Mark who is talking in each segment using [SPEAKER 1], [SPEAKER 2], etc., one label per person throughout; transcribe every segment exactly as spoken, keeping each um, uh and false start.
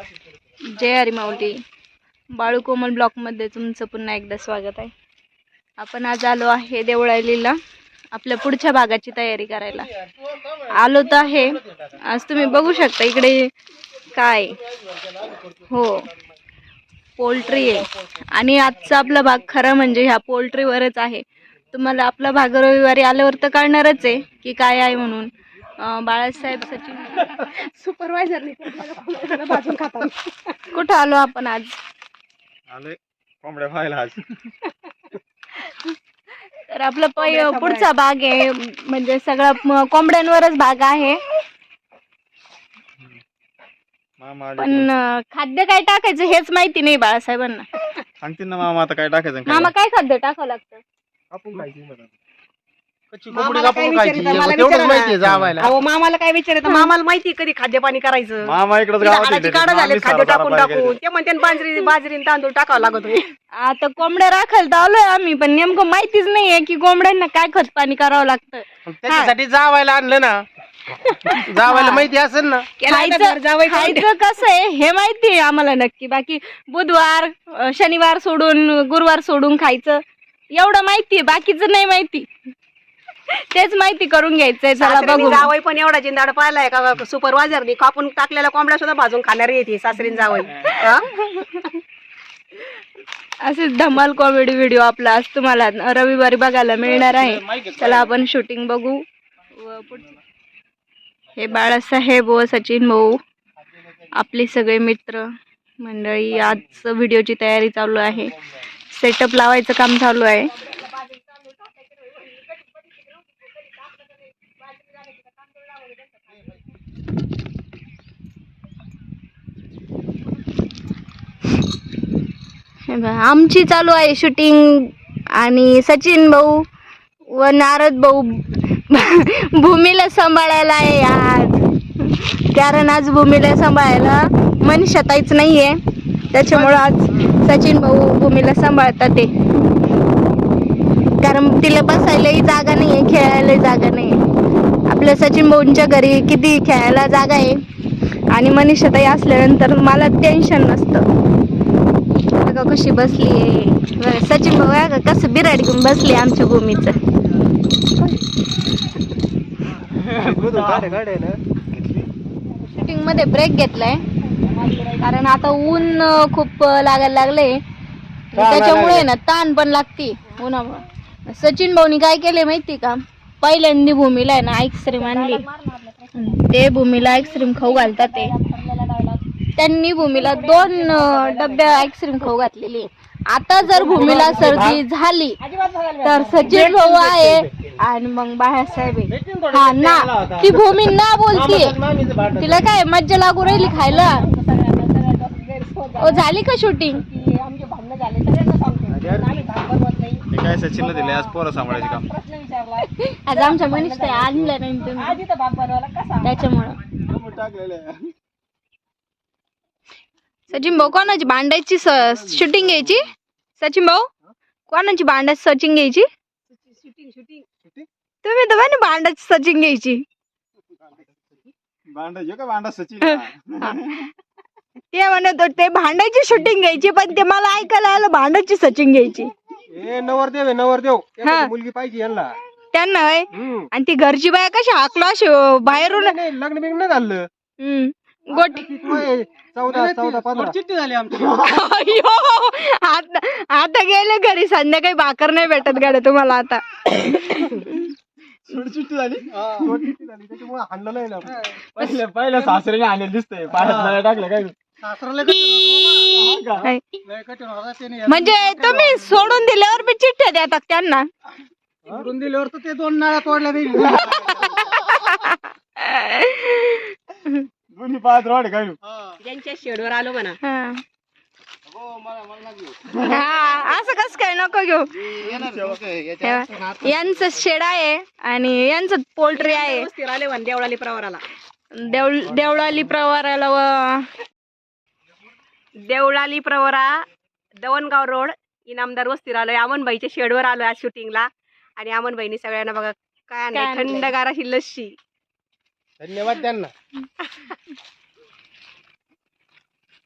[SPEAKER 1] जय हरी माऊली. बाळू कोमल ब्लॉकमध्ये तुमचं पुन्हा एकदा स्वागत आहे. आपण आज आलो आहे देवळालीला आपल्या पुढच्या भागाची तयारी करायला आलो तर आहे. आज तुम्ही बघू शकता इकडे काय हो पोल्ट्री आहे आणि आजचा आपला भाग खरा म्हणजे ह्या पोल्ट्रीवरच आहे. तुम्हाला आपला भाग रविवारी आल्यावर तर कळणारच आहे की काय आहे म्हणून. बाळासाहेब सचिन सुपरवायझर भाजून खातात. कुठं आलो आपण आज?
[SPEAKER 2] आले कोंबड्या पाहायला आज.
[SPEAKER 1] तर आपला पै पुढचा भाग आहे म्हणजे सगळा कोंबड्यांवरच भाग आहे. पण खाद्य काय टाकायचं हेच माहिती नाही बाळासाहेबांना.
[SPEAKER 2] सांगतील ना मामा आता काय टाकायचं.
[SPEAKER 1] मामा काय खाद्य टाकावं लागतं?
[SPEAKER 2] आपण खायची
[SPEAKER 3] मामाला काय विचारायचं? मामाला माहिती कधी खाद्य पाणी करायचं.
[SPEAKER 2] मामा इकडे
[SPEAKER 3] काढा झाले खाद्य टाकून टाकून ते म्हणते बाजरी बाजरी तांदूळ टाकावं लागत.
[SPEAKER 1] आता कोंबड्या राखायला तर आलोय आम्ही पण नेमकं माहितीच नाहीये की कोंबड्यांना काय खत पाणी करावं लागतं.
[SPEAKER 4] त्याच्यासाठी जावायला आणलं ना. जावायला माहिती असेल ना
[SPEAKER 1] खायचं कसं आहे हे माहिती आहे आम्हाला नक्की. बाकी बुधवार शनिवार सोडून गुरुवार सोडून खायचं एवढं माहिती आहे. बाकीचं नाही माहिती. तेच माहिती करून घ्यायचंय. चला बघू.
[SPEAKER 3] जावई पण एवढा जिंदाड पाहिलाय का सुपरवायझरनी कापून टाकलेल्या कोंबड्या सुद्धा भाजून खाणारी येते सासरीन जावई.
[SPEAKER 1] असे धमाल कॉमेडी व्हिडिओ आपला आज तुम्हाला रविवारी बघायला मिळणार आहे. चला आपण शूटिंग बघू. हे बाळासाहेब व सचिन भाऊ आपले सगळे मित्र मंडळी आज व्हिडिओची तयारी चालू आहे. सेटअप लावायचं काम चालू आहे. आमची चालू आहे शूटिंग आणि सचिन भाऊ व नारद भाऊ भूमीला सांभाळायला आहे आज. कारण आज भूमीला सांभाळायला मनीषा ताईच नाहीये त्याच्यामुळं आज सचिन भाऊ भूमीला सांभाळतात ते. कारण तिला बसायलाही जागा नाहीये खेळायलाही जागा नाहीये. आपल्या सचिन भाऊंच्या घरी किती खेळायला जागा आहे आणि मनीषा ताई असल्यानंतर मला टेन्शन नसतं. बघा कशी बसली आहे सचिन भाऊ. का कसं बिराड घेऊन बसली आमच्या भूमीचं. शूटिंग मध्ये ब्रेक घेतलाय कारण आता ऊन खूप लागायला लागले त्याच्यामुळे ना ताण पण लागते उन्हामुळे. सचिन भाऊनी काय केले माहिती का? पहिल्यांदा भूमीला आहे ना आईस्क्रीम आणली. ते भूमीला आईस्क्रीम खाऊ घालतात. ते त्यांनी भूमीला दोन डब्या आईस्क्रीम खाऊ घातलेली. आता जर भूमीला सर्दी झाली तर सचिन भाऊ आहे आणि मग बाळासाहेब आहे. हा ना ती भूमी ना बोलतीये. तिला काय मज्जा लागू राहिली खायला. ओ झाली का शूटिंग?
[SPEAKER 2] काय सचिनला दिले आज पोरं सांभाळायचे काम.
[SPEAKER 1] आज आमच्या मनीष आणलं नाही तुम्ही त्याच्यामुळं. सचिन भाऊ कोणाची भांडायची शूटिंग घ्यायची? सचिन भाऊ कोणाची भांडायची सचिन घ्यायची? तुम्ही तर म्हणे भांडायची सचिन घ्यायची.
[SPEAKER 2] भांडायचे का भांडा सचिन?
[SPEAKER 1] ते म्हणत होते भांडायची शूटिंग घ्यायची पण ते मला ऐकायला आलं भांडायची सचिन घ्यायची.
[SPEAKER 4] नवरदेव आहे नवरदेव. मुलगी पाहिजे यांना
[SPEAKER 1] त्यांना. आणि ती घरची बाया कशी हाकलो अशी बाहेरून
[SPEAKER 4] लग्न बिग्न झालं.
[SPEAKER 1] हम्म गोटी
[SPEAKER 4] चौदा चौदा पंधरा चिठ्ठी झाली आमची.
[SPEAKER 1] आता आता गेले घरी संध्याकाळी भाकर नाही भेटत गाड्या तुम्हाला आता.
[SPEAKER 2] चिठ्ठी झाली
[SPEAKER 4] त्याच्यामुळे हाणलं नाही.
[SPEAKER 2] पहिल्या पहिल्या सासऱ्याने आणलेलं दिसतंय. पाण्यात टाकलं काय
[SPEAKER 1] म्हणजे तुम्ही सोडून दिल्यावर बी चिठ्ठ्या देतात त्यांना.
[SPEAKER 4] सोडून दिल्यावर तर ते दोन नाळ्या तोडल्या नाही.
[SPEAKER 2] दोन्ही पाच रोड काय
[SPEAKER 3] ज्यांच्या शेडवर आलो म्हणा.
[SPEAKER 1] असं कस काय नको घेऊ. यांचं शेड आहे आणि यांचं पोल्ट्री आहे.
[SPEAKER 3] देवळाली प्रवाराला
[SPEAKER 1] देवळ देवळाली प्रवाराला व
[SPEAKER 3] देवळाली प्रवरा दवणगाव रोड इनामदार वस्तीवर आलोय. अमनबाईच्या शेडवर आलोय आज शूटिंगला. आणि अमनबाईनी सगळ्यांना बघा काय आणलंय थंडगार अशी लस्सी.
[SPEAKER 4] धन्यवाद त्यांना.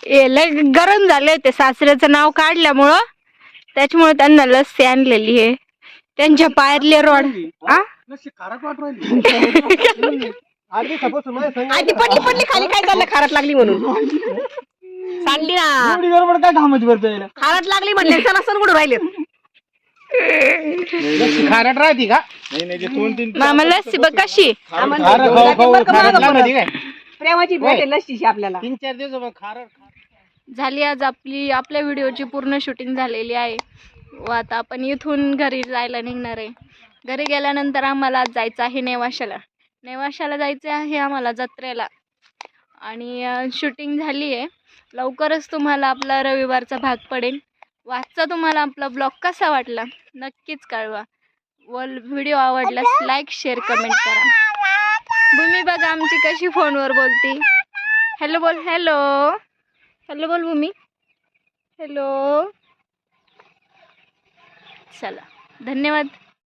[SPEAKER 1] हे लय गरम झाले होते सासऱ्याचं नाव काढल्यामुळं, त्याच्यामुळे त्यांना लस्सी आणलेली आहे. त्यांच्या पायातले रोड आ
[SPEAKER 3] आधी पडली पडली खाली काय झालं खारट लागली म्हणून सांडली ना
[SPEAKER 4] काय घामच भरतोय
[SPEAKER 3] खारट लागली म्हणले सण सण कुठं राहिले
[SPEAKER 4] खारट राहते का?
[SPEAKER 2] नाही नाही ते दोन तीन
[SPEAKER 1] मामा लस्सी बघ कशी.
[SPEAKER 4] खारट खाऊ खाऊ खारट लागते काय?
[SPEAKER 3] प्रेमाची भेट आहे लस्सीची आपल्याला.
[SPEAKER 4] तीन चार दिवस मग खारट
[SPEAKER 1] झाली आज आपली आपल्या व्हिडिओची पूर्ण शूटिंग झालेली आहे व आता आपण इथून घरी जायला निघणार आहे. घरी गेल्यानंतर आम्हाला आज जायचं आहे नेवाशाला. नेवाशाला जायचं आहे आम्हाला जत्रेला आणि शूटिंग झाली आहे. लवकरच तुम्हाला आपला रविवारचा भाग पडेल. वाचचा तुम्हाला आपला ब्लॉग कसा वाटला नक्कीच कळवा व व्हिडिओ आवडल्यास लाईक शेअर कमेंट करा. भूमी बघा आमची कशी फोनवर बोलती. हॅलो बोल. हॅलो हॅलो बोल भूमी. हॅलो. चला धन्यवाद.